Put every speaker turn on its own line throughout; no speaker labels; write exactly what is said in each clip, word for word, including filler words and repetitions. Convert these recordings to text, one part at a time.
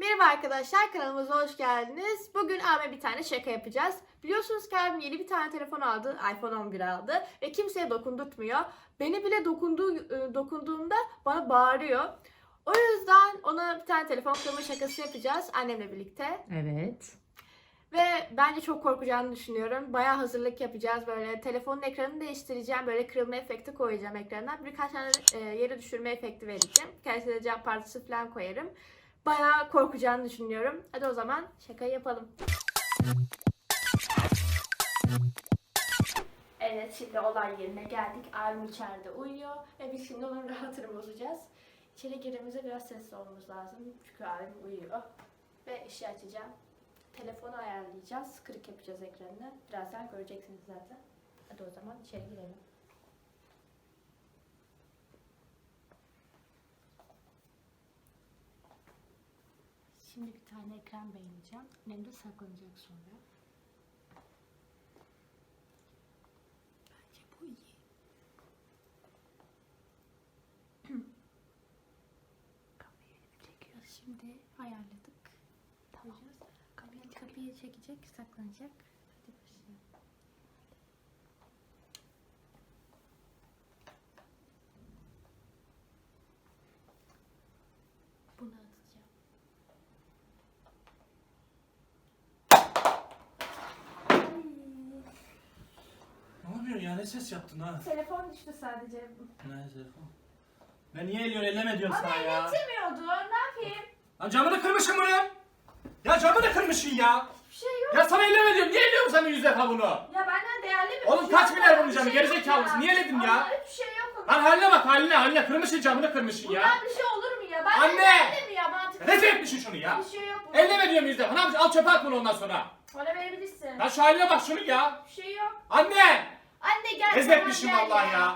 Merhaba arkadaşlar, kanalımıza hoş geldiniz. Bugün abime bir tane şaka yapacağız. Biliyorsunuz ki abim yeni bir tane telefon aldı, iPhone on bir aldı ve kimseye dokundurtmuyor. Beni bile dokunduğu, e, dokunduğumda bana bağırıyor. O yüzden ona bir tane telefon kırma şakası yapacağız annemle birlikte.
Evet.
Ve bence çok korkacağını düşünüyorum. Bayağı hazırlık yapacağız. Böyle telefonun ekranını değiştireceğim. Böyle kırılma efekti koyacağım ekranına. Birkaç tane e, yere düşürme efekti vereceğim. Birkaç tane cam parçası falan koyarım. Bayağı korkacağını düşünüyorum. Hadi o zaman şakayı yapalım. Evet, şimdi olay yerine geldik. Abim içeride uyuyor ve biz şimdi onun rahatını bozacağız. İçeri girdiğimizde biraz sessiz olmamız lazım. Çünkü abim uyuyor. Ve işi açacağım. Telefonu ayarlayacağız. Kırık yapacağız ekranını. Birazdan göreceksiniz zaten. Hadi o zaman içeri girelim. Şimdi bir tane ekran beğeneceğim. Annem de saklanacak sonra. Bence bu iyi. Kapıyı çekiyoruz şimdi. Ayarladık. Tamam. Kapıyı, kapıyı çekecek, saklanacak. Hadi başlayalım. Bunu atacağım.
Ne yapıyorsun ya? Ne ses yaptın ha?
Telefon düştü sadece.
Ne telefon? Ben niye eliyorsun? Elleme diyorum
Ama
sana ya.
elletemiyordu. Ne yapayım?
Lan camını kırmışsın bunu. Ya camını kırmışsın ya.
Bir şey yok.
Ya sana elleme diyorum. Niye elliyorsun sen yüz defa bunu?
Ya benden değerli bir
Oğlum
şey
kaç
yok.
milyar bunun
Bir
camı?
şey yok
Gerizekalı mısın? Niye elledin ya?
Allah, hiçbir şey yok.
Lan haline bak haline haline. Kırmışsın camını kırmışsın ya.
Bundan bir şey olur mu ya? Ben
Anne!
değerli mi ya? Mantıklı.
Rezil etmişsin şunu ya.
Bir şey yok. bunun.
Elleme diyorum yüz defa. Ne yapacaksın? Al çöpe at bunu ondan sonra.
Bana verebilirsin.
Lan şu haline bak şunu ya.
Bir şey yok.
Anne!
Anne gel.
Rezil
tamam,
etmişsin
gel
vallahi ya.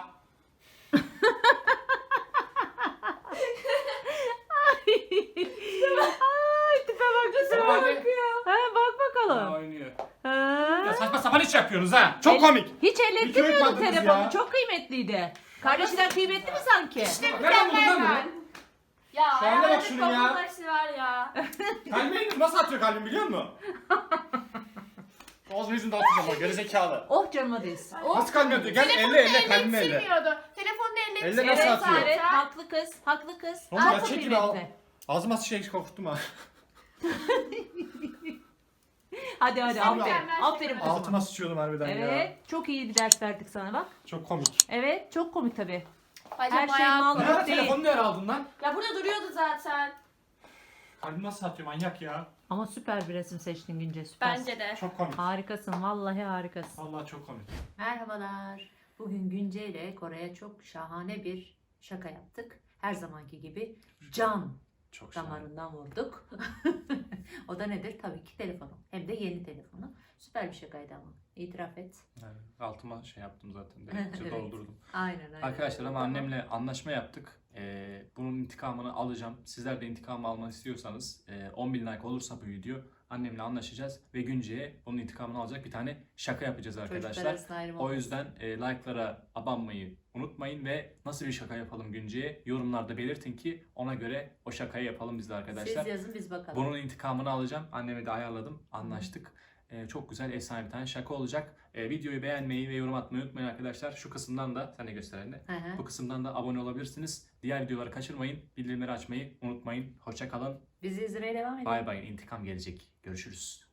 Ay tipe bak tipe
Baba
bak.
anne.
Ha, bak bakalım.
Oynuyor.
Ha.
Ya saçma sapan iş yapıyorsunuz ha. Çok
El-
komik.
Hiç
Bir
ellettirmiyordun
köyükmadınız
telefonu.
ya.
Çok kıymetliydi. Kardeşinden kıymetli mi sanki?
Nereden buldun lan
ben.
bunu?
Ya
Şu haline bak
ayağımda
şunun ya.
kolum taşı var ya.
Kalbini nasıl atıyor kalbin biliyor musun? Ağzını yüzünü dağıtacağım bak gerizekalı.
Oh canıma değsin. Oh.
Nasıl kalbini atıyor? Gel
Telefonda
elle elle kalbini elle.
ellettirmiyordu. Telefonda ellettirmiyordu.
Elle nasıl
Evet,
atıyor?
evet, haklı kız, haklı kız.
Oğlum ya
Çok
çekil al.
kıymetli.
Ağzıma şey korkuttum ha.
Hadi hadi
Sen
aferin.
mükemmel
Aferin
şaka.
kızıma.
Altıma sıçıyordum harbiden ya.
Evet, çok iyi bir ders verdik sana bak.
Çok komik.
Evet, çok komik tabii.
Bence
Her şey
bayağı-
mal
Ne ara
değil.
telefonu nereye aldın lan?
Ya burada duruyordu zaten.
Kalbim nasıl atıyor manyak ya.
Ama süper bir resim seçtin Günce, süper.
Bence de.
Çok komik.
Harikasın, vallahi harikasın.
Vallahi çok komik.
Merhabalar. Bugün Günce ile Kore'ye çok şahane bir şaka yaptık. Her zamanki gibi can
Çok şahane.
damarından vurduk. O da nedir? Tabii ki telefonu. Hem de yeni telefonu. Süper bir şakaydı ama. İtiraf et.
Evet, altıma şey yaptım zaten. Direkt
Evet.
doldurdum.
Aynen aynen.
Arkadaşlar ama
Tamam.
annemle anlaşma yaptık. Ee, bunun intikamını alacağım. Sizler de intikamı almak istiyorsanız e, on bin like olursa bu video annemle anlaşacağız ve Günce'ye onun intikamını alacak bir tane şaka yapacağız
Çocuklar
arkadaşlar.
arasında ayrım
O
olmaz.
yüzden e, like'lara abanmayı unutmayın ve nasıl bir şaka yapalım Günce'ye yorumlarda belirtin ki ona göre o şakayı yapalım biz de arkadaşlar.
Siz yazın biz bakalım.
Bunun intikamını alacağım. Annemi de ayarladım. Anlaştık. Ee, çok güzel, efsane bir tane şaka olacak. Ee, videoyu beğenmeyi ve yorum atmayı unutmayın arkadaşlar. Şu kısımdan da, sen de göster anne.
Hı hı.
Bu kısımdan da abone olabilirsiniz. Diğer videoları kaçırmayın. Bildirimleri açmayı unutmayın. Hoşça kalın.
Bizi izlemeye devam edin.
Bay bay. İntikam gelecek. Görüşürüz.